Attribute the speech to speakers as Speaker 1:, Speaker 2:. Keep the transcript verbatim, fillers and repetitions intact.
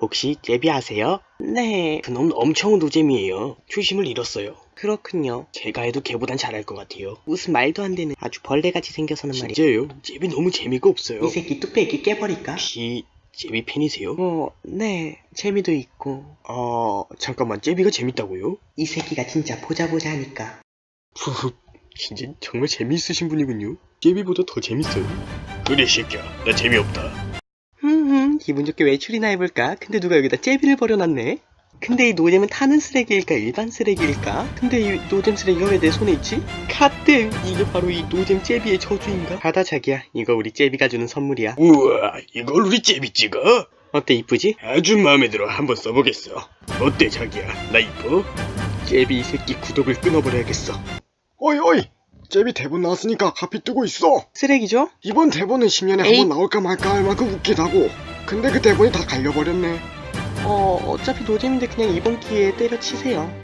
Speaker 1: 혹시 제비 아세요? 네. 그놈 엄청 노잼이에요. 초심을 잃었어요. 그렇군요. 제가 해도 걔보단 잘할 것 같아요. 무슨 말도 안 되는 아주 벌레같이 생겨서는 말이에요. 진짜요? 제비 너무 재미가 없어요.
Speaker 2: 이 새끼 뚝배기 깨버릴까?
Speaker 1: 혹시 제비 팬이세요?
Speaker 2: 어, 네. 재미도 있고.
Speaker 1: 아, 잠깐만, 제비가 재밌다고요?
Speaker 2: 이 새끼가 진짜 보자 보자 하니까.
Speaker 1: 푸, 진짜 정말 재미있으신 분이군요. 제비보다 더 재밌어요. 그래, 새끼야. 나 재미없다.
Speaker 2: 흠흠, 기분 좋게 외출이나 해볼까? 근데 누가 여기다 제비를 버려놨네? 근데 이 노잼은 타는 쓰레기일까? 일반 쓰레기일까? 근데 이 노잼 쓰레기가 왜 내 손에 있지? 가뜩! 이게 바로 이 노잼 제비의 저주인가? 받아 자기야, 이거 우리 제비가 주는 선물이야.
Speaker 1: 우와, 이걸 우리 제비 찍어?
Speaker 2: 어때, 이쁘지?
Speaker 1: 아주 마음에 들어. 한번 써보겠어. 어때, 자기야? 나 이뻐?
Speaker 2: 제비 이 새끼 구독을 끊어버려야겠어.
Speaker 3: 어이 어이, 제비 대본 나왔으니까 카피 뜨고 있어.
Speaker 2: 쓰레기죠?
Speaker 3: 이번 대본은 십 년에 한
Speaker 2: 에잇.
Speaker 3: 번 나올까 말까 할 만큼 웃기다고. 근데 그 대본이 다 갈려버렸네.
Speaker 2: 어, 어차피 노잼인데 그냥 이번 기회에 때려치세요.